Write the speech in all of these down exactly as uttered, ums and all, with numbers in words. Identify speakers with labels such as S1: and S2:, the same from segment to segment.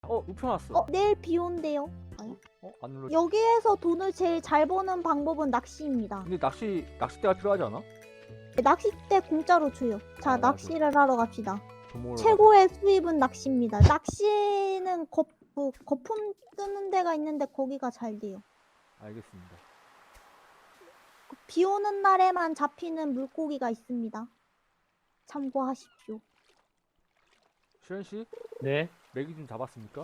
S1: 어, 우편왔어.
S2: 어, 내일 비 온대요.
S1: 어, 안 눌러.
S2: 여기에서 돈을 제일 잘 버는 방법은 낚시입니다.
S1: 근데 낚시 낚싯대가 필요하지 않아?
S2: 낚싯대 공짜로 줘요. 자,
S1: 아, 맞아.
S2: 낚시를 하러 갑시다.
S1: 돈 모으러
S2: 최고의 수입은 낚시입니다. 낚시는 거, 그, 거품 뜨는 데가 있는데 거기가 잘 돼요.
S1: 가자. 알겠습니다.
S2: 비 오는 날에만 잡히는 물고기가 있습니다. 참고하십시오.
S1: 시현 씨,
S3: 네?
S1: 메기 좀 잡았습니까?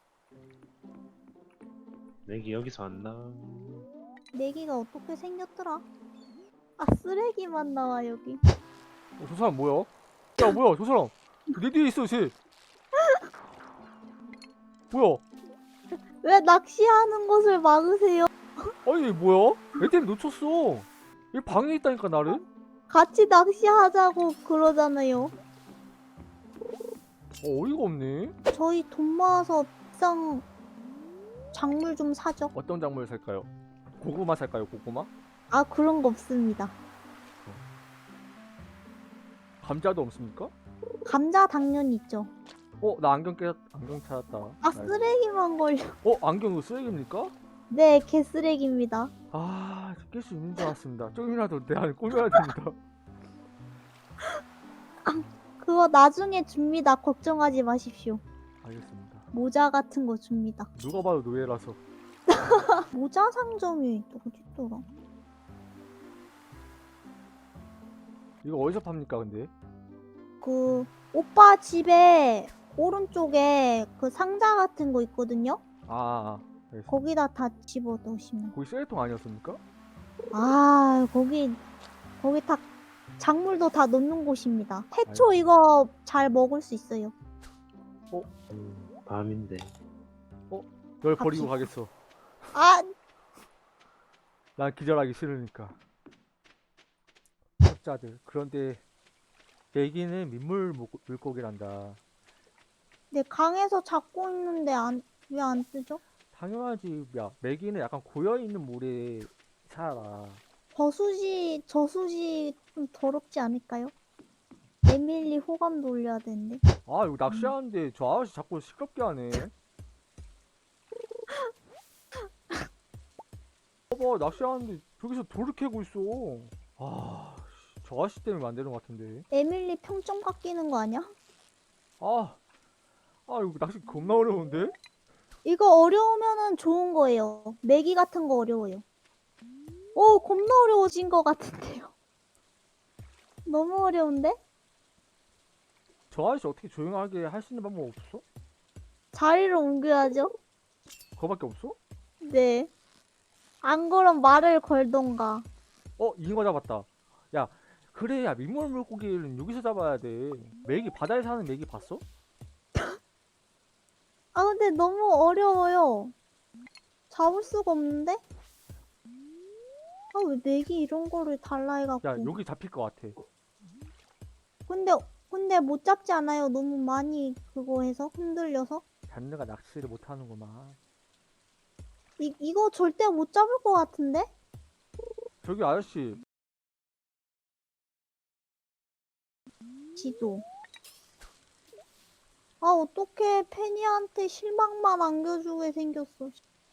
S3: 맥이 여기서 안 나.
S2: 내기가 어떻게 생겼더라? 아, 쓰레기만 나와 여기.
S1: 어, 저 사람 뭐야? 야, 뭐야, 저 사람. 내 뒤에 있어, 쟤. 뭐야?
S2: 왜 낚시하는 것을 막으세요?
S1: 아니, 얘 뭐야? 애 때문에 놓쳤어. 얘 방에 있다니까, 나를?
S2: 같이 낚시하자고 그러잖아요.
S1: 어, 어이가 없네.
S2: 저희 돈 모아서 비싼 작물 좀 사죠.
S1: 어떤 작물 살까요? 고구마 살까요, 고구마?
S2: 아, 그런 거 없습니다.
S1: 감자도 없습니까?
S2: 감자 당연히 있죠.
S1: 어, 나 안경 깨, 안경 찾았다.
S2: 아,
S1: 나이스.
S2: 쓰레기만 걸려.
S1: 어, 안경 이거 쓰레기입니까?
S2: 네, 개쓰레기입니다.
S1: 아, 깰 수 있는 줄 알았습니다. 조금이라도 내 안에 꾸며야 됩니다.
S2: 그거 나중에 줍니다. 걱정하지 마십시오.
S1: 알겠습니다.
S2: 모자 같은 거 줍니다.
S1: 누가 봐도 노예라서.
S2: 모자 상점이 어딨더라?
S1: 이거 어디서 팝니까, 근데?
S2: 그 오빠 집에 오른쪽에 그 상자 같은 거 있거든요?
S1: 아, 아, 아. 알겠습니다.
S2: 거기다 다 집어 넣으시면.
S1: 거기 쓰레기통 아니었습니까?
S2: 아, 거기 거기 다 작물도 다 넣는 곳입니다. 해초
S1: 알겠습니다.
S2: 이거 잘 먹을 수 있어요.
S3: 음, 밤인데.
S1: 널
S2: 갑시다.
S1: 버리고 가겠어.
S2: 아,
S1: 난 기절하기 싫으니까. 학자들. 그런데 애기는 민물 물- 물고기란다.
S2: 네, 강에서 잡고 있는데 안 왜 안 뜨죠?
S1: 당연하지. 야, 메기는 약간 고여있는 물에 살아.
S2: 저수지 저수지 좀 더럽지 않을까요? 에밀리 호감도 올려야 되는데.
S1: 아, 이거 낚시하는데 저 아저씨 자꾸 시끄럽게 하네. 봐봐, 낚시하는데 저기서 돌을 캐고 있어. 아, 씨, 저 아저씨 때문에 만드는 것 같은데.
S2: 에밀리 평점 깎이는 거 아니야?
S1: 아, 아, 이거 낚시 겁나 어려운데?
S2: 이거 어려우면은 좋은 거예요. 매기 같은 거 어려워요. 오, 겁나 어려워진 것 같은데요. 너무 어려운데?
S1: 저 아저씨 어떻게 조용하게 할 수 있는 방법 없어?
S2: 자리를 옮겨야죠.
S1: 그거밖에 없어?
S2: 네. 안 그럼 말을 걸던가.
S1: 어, 잉어 잡았다. 야, 그래, 야, 민물 물고기는 여기서 잡아야 돼. 메기, 바다에 사는 메기 봤어?
S2: 아, 근데 너무 어려워요. 잡을 수가 없는데? 아, 왜 매기 이런 거를 달라 해갖고.
S1: 야, 여기 잡힐 것 같아.
S2: 근데, 근데 못 잡지 않아요. 너무 많이 그거 해서 흔들려서.
S1: 잔느가 낚시를 못하는구만.
S2: 이, 이거 절대 못 잡을 것 같은데?
S1: 저기 아저씨,
S2: 지도. 아, 어떡해. 페니한테 실망만 안겨주게 생겼어.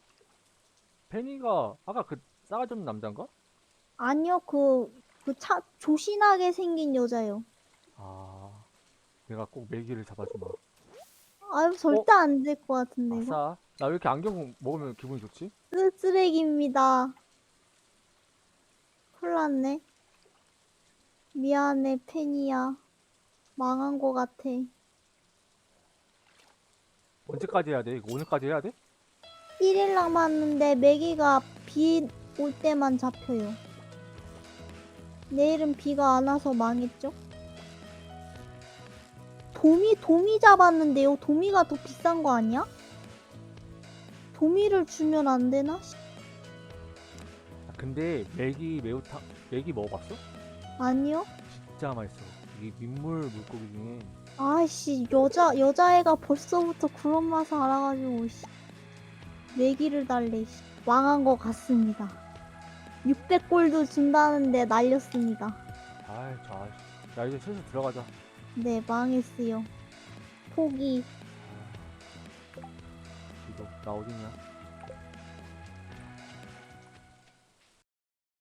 S1: 페니가 아까 그 싸가지 없는 남잔가?
S2: 아니요, 그, 그 차, 조신하게 생긴 여자요.
S1: 아, 내가 꼭 메기를 잡아주마.
S2: 아유, 절대 안 될 것 같은데, 이거.
S1: 아싸. 나 왜 이렇게 안경 먹으면 기분이 좋지?
S2: 쓰, 쓰레기입니다. 큰일 났네. 미안해, 페니야. 망한 것 같아.
S1: 언제까지 해야 돼? 이거 오늘까지 해야 돼?
S2: 일 일 남았는데 메기가 비 올 때만 잡혀요. 내일은 비가 안 와서 망했죠? 도미, 도미 잡았는데요. 도미가 더 비싼 거 아니야? 도미를 주면 안 되나?
S1: 아, 근데 메기 매우탕, 메기 먹어봤어?
S2: 아니요.
S1: 진짜 맛있어. 이게 민물 물고기 중에
S2: 아이씨, 여자, 여자애가 벌써부터 그런 맛을 알아가지고, 씨. 내기를 달래, 씨. 망한 것 같습니다. 육백 골도 준다는데 날렸습니다.
S1: 아이, 저 아저씨. 야, 이제 슬슬 들어가자.
S2: 네, 망했어요. 포기.
S1: 아, 나 어딨냐?